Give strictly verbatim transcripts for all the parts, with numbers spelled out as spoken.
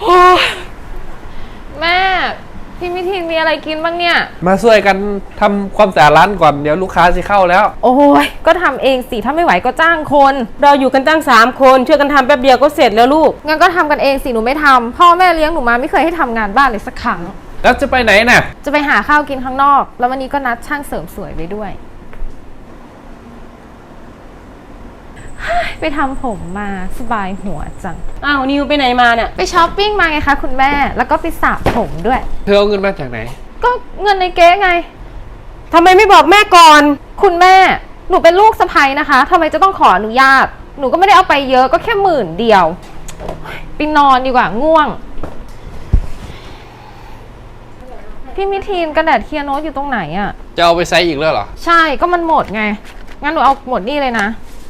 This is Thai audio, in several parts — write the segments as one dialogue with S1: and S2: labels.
S1: แม่พี่มิทินมีอะไรกินบ้างเนี่ย
S2: มาช่วยกันทำความสะอาดร้านก่อนเดี๋ยวลูกค้าจะเข้าแล้ว
S1: โอ้ยก็ทำเองสิถ้าไม่ไหวก็จ้างคน
S3: เราอยู่กันตั้งสามคนช่วยกันทำแป๊บเดียวก็เสร็จแล้วลูก
S1: งั้นก็ทำกันเองสิหนูไม่ทำพ่อแม่เลี้ยงหนูมาไม่เคยให้ทำงานบ้านเลยสักครั้ง
S2: แล้วจะไปไหนน่ะ
S1: จะไปหาข้าวกินข้างนอกแล้ววันนี้ก็นัดช่างเสริมสวยไว้ด้วยไปทำผมมาสบายหัวจัง
S3: อ้าวนิวไปไหนมาเนี่ย
S1: ไปช้อปปิ้งมาไงคะคุณแม่แล้วก็ไปสระผมด้วย
S2: เธอเอาเงินมาจากไหน
S1: ก็เงินในเก๊ไง
S3: ทำไมไม่บอกแม่ก่อน
S1: คุณแม่หนูเป็นลูกสะใภ้นะคะทำไมจะต้องขออนุญาตหนูก็ไม่ได้เอาไปเยอะก็แค่หมื่นเดียวไปนอนดีกว่าง่วงพี่มิทีนกระดาษเคียร์โน้ตอยู่ตรงไหนอะ
S2: จะเอาไปใช้อีกแล้วเหรอ
S1: ใช่ก็มันหมดไงงั้นหนูเอาหมดนี่เลยนะ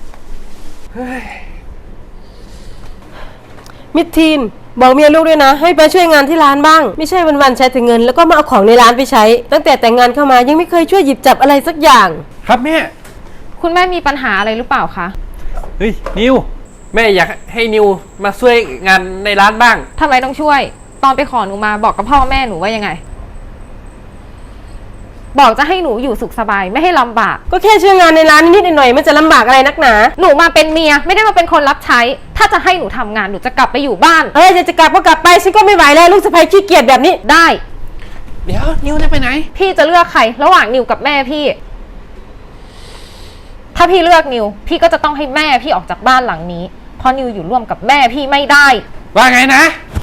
S3: มิทีนบอกเมียลูกด้วยนะให้ไปช่วยงานที่ร้านบ้างไม่ใช่วันๆใช้แต่เงินแล้วก็มาเอาของในร้านไปใช้ตั้งแต่แต่งงานเข้ามายังไม่เคยช่วยหยิบจับอะไรสักอย่าง
S2: ครับแม่
S1: คุณแม่มีปัญหาอะไรหรือเปล่าคะ
S2: เฮ้ยนิวแม่อยากให้นิวมาช่วยงานในร้านบ้าง
S1: ทำไมต้องช่วยตอนไปขอหนูมาบอกกับพ่อแม่หนูว่ายังไงบอกจะให้หนูอยู่สุขสบายไม่ให้ลำบาก
S3: ก็แค่ช่วยงานในร้านนิดๆหน่อยๆมันจะลำบากอะไรนักหนา
S1: หนูมาเป็นเมียไม่ได้มาเป็นคนรับใช้ถ้าจะให้หนูทำงานหนูจะกลับไปอยู่บ้าน
S3: เอ้ยจะจะกลับก็กลับไปฉันก็ไม่ไหวแล้วลูกสะใภ้ขี้เกียจแบบนี้
S1: ได้
S2: เดี๋ยวนิวจะไปไหน
S1: พี่จะเลือกใครระหว่างนิวกับแม่พี่ถ้าพี่เลือกนิวพี่ก็จะต้องให้แม่พี่ออกจากบ้านหลังนี้เพราะนิวอยู่ร่วมกับแม่พี่ไม่ได้
S2: ว่าไงนะ